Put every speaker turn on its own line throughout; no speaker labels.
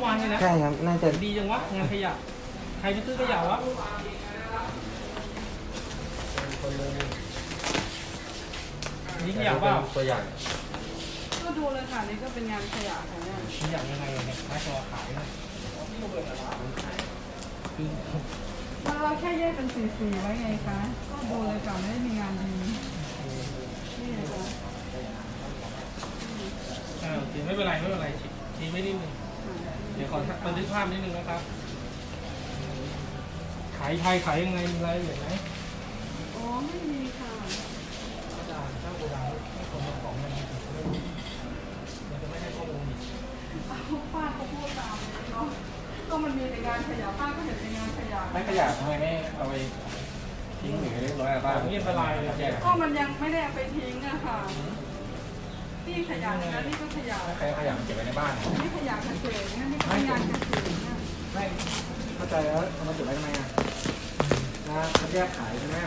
วานนี่นะ
ใช่ครับน่าจะ
ดีจังวะงานขยะใครไปซื้อขยะวะนี่ขยะเปล่า
ตัวอย่าง
ก็ดูเลยค่ะนี่ก็เป็นงานขยะของเนี่ย
ขยะยังไงเนี่ยไม่ตัวขายนะคือ
เราแค่แยกเป็นสีไว้ไงคะก็ดูเลยค่ะไม่ได้มีงานดีนี่ไงคะ
โอเคไม่เป็นไรชี้ไม่นิดนึงเดี๋ยวขอบันทึกภาพนิดนึงนะครับขายไทยขายยังไงมีรายละเอียดไหม
อ๋อไม่มีค่ะ
ถ้าโกดังให้คนมาของมันจะไม่ให้ข้อมูลอีก
ป้าเขาพูดตามเลยเนาะก็มันมีแต่งานขยะป้าก็เห็นแต่งานขยะ
ไม่ขยะทำไมไม่เอาไปทิ้งหรือเรียบร้อยบ้าง
นี่อันตรายเลยแยก
ก็มันยังไม่ได้เอาไปทิ้งอะค่ะนี่ขยะนะนี่ก็ขยะ
ใครขยะเก็บไว้ในบ้าน
นี่ขยะเกษตรนี่ก็เป็นงานเกษตรเนี่ย
ไม่เข้าใจแล้วเอามาเก็บไว้ทำไมอ่ะนะคัดแยกขายใช่ไหม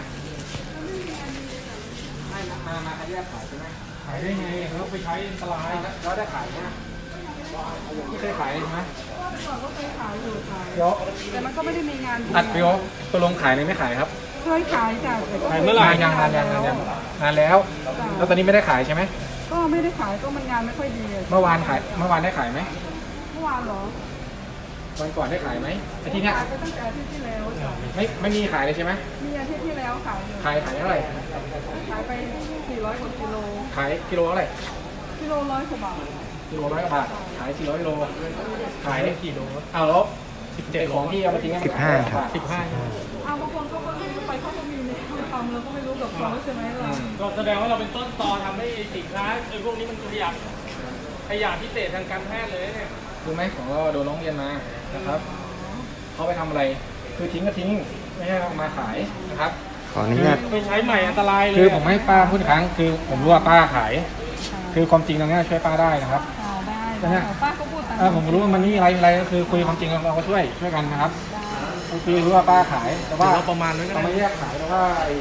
ไม่มาคัดแยกขายใช่ไหม
ขายได้ไงเขาไปใช้อันตราย
แล้วได้ขายไหมไม่เคยขายใช่ไหม
ก่อนก็เคยขายอยู่ค่ะ
เดี๋ยว
แต่มันก็ไม่ได้มีงานดี
อัดวิวตัวลงขายเลยไม่ขายครับ
เคยขายจ้ะแต่ก็
ขายเมื่อไหร่
งานแล้วแล้วตอนนี้ไม่ได้ขายใช่ไหม
ก็ไม่ได้ขายก็มันงานไม่ค่อยดีอะ
เมื่อวานได้ขายไหม
เมื่อวานเหรอ
วันก่อนได้ขายไหมอาทิตย์เนี้ย
ขายไปตั้งแต่อาทิตย์ที่แล้วจ้ะ
ไม่มีขายเลยใช่ไหม
มีอาทิตย์ที่แล้วขายอยู่
ขายเท่าไหร่
ขายไป400กว่ากิโล
ขายกิโลเท่าไหร่
กิโล100กว่าบาท
กิโล100 กว่าบาทขาย400 กิโลขาย
ได้กี่โล
เอาแล้ว17ของที่เอาไปทิ้ง
15ครับ
15
เอาบางคนเขาก็ซื้อไปเขาก็มีในทำเราก็ไม่รู้กับเขาใช่ไหมล่ะ
ก็แสดงว่าเราเป็นต้นตอทำให้สินค้าพวกนี้มันขยะพิเศษทางการแพทย์เลยเนี่ย
รู้ไหมของเราโดนร้องเรียนมานะครับเขาไปทำอะไรคือทิ้งก็ทิ้งไม่ใช่เอามาขายนะครับ
ขออนุญาต
ไปใช้ใหม่อันตรายเลย
คือผมให้ป้าพูดอีกครั้งคือผมรู้ว่าป้าขาย คือความจริงตรงนี้ช่วยป้าได้นะครับ
ได้ป้าก็พูดตาม
ผมรู้ว่ามันนี่อะไรก็คือคุยความจริงเราก็ช่วยกันนะครับคือรู้ว่าป้าขายแต่ว่า
เราประมาณนั้นก็
เรา
ได้
ไม่แยกขายแต่ว่าไอ้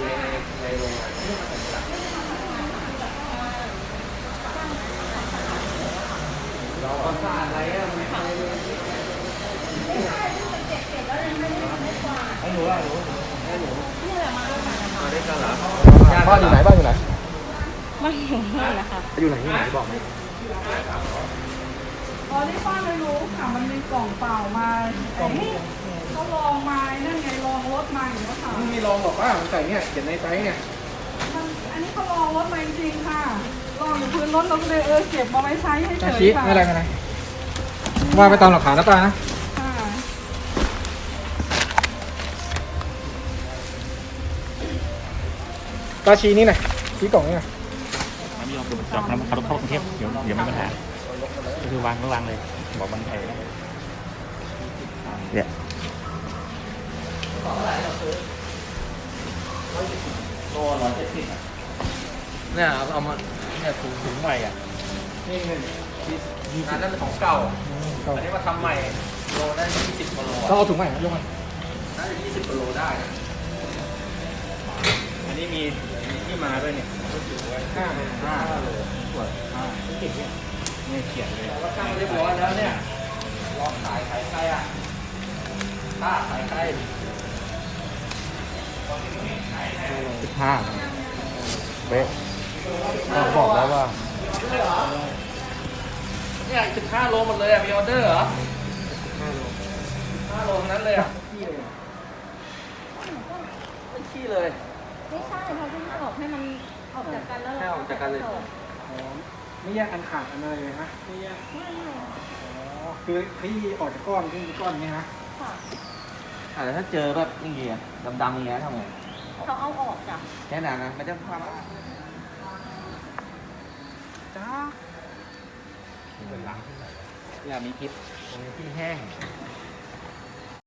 เราสะอาดอะไรอ่ะให้หนูอ่ะหนูให้หนูมาได้กันเหรอบ้านอยู่ไหน
บ้านอยู่นั่นแหละค่ะ
อยู่ไหนบอกไหม
อ๋อที่ป้าไม่รู้ค่ะมันมีกล่องเปล่ามาเขาลองมานั่นไงลองรถมาอย่างนี้ค่ะ
ไม่มีลองหรอกว่าผมใส่เนี่ยเขียนในไซส์เนี่ย
อันนี้เขาลองรถมาจริงๆค่ะลองอยู่พื้นรถเราก็เลยเก็บมาไว้ใช้ให้เฉย
ชี้
ค่ะ
ไม่อะไรว่าไปตามหลักฐานนะป้านะ
ค่ะ
ป้าชี้นี่หน่อยชี้กล่องนี่หน่อย
ไม่ยอมจองแล้วเขาต้องเข้ากรุงเทพเดี๋ยวไม่มีปัญหาก็คือวางเลยบอกมันไอ้
เนี่ย
โล170เนี่ยเอามาเนี่ยถุงใหม่อ่ะ
นี่เงิน
งานนั้นของเก่าอันนี้มาทำใหม่โลได้20กว่าโล
ต้องเอาถุงใหม่ยกมา
น่าจะ20กว่าโลได้อันนี้มีที่มาด้วยเนี่ย5โลตรวจเนี่ยเขียนเลยว่าตั้งเรียบร้อยแล้วเนี่ยรอขายใครอ่ะถ้าขายใคร
15เป๊ะเราบอกแล้วว่า
เนี่ย15โลหมดเลยอ่ะมีออเดอร์เหรอ5โลทั้งนั้นเลยอ่ะไม่ขี้เลย
ไม่ใช่เขาเพิ่งออกให้มันออกจากกันแล้ว
ให้ออกจากกันเลย
ไม่แยกอันขาดอันอะไรเลยนะ
ไม่
คือที่ออกจากก้อนที่ก้อนนี้นะ
ค่ะ
แล้วถ้าเจอแบบอย่างเงี้ยดำๆอย่างเงี้ยทำไง
เขาเอาออกจ้ะ
แค่นั้นนะมันจะความ
จ้า
อย่ามีพิษที่แห้ง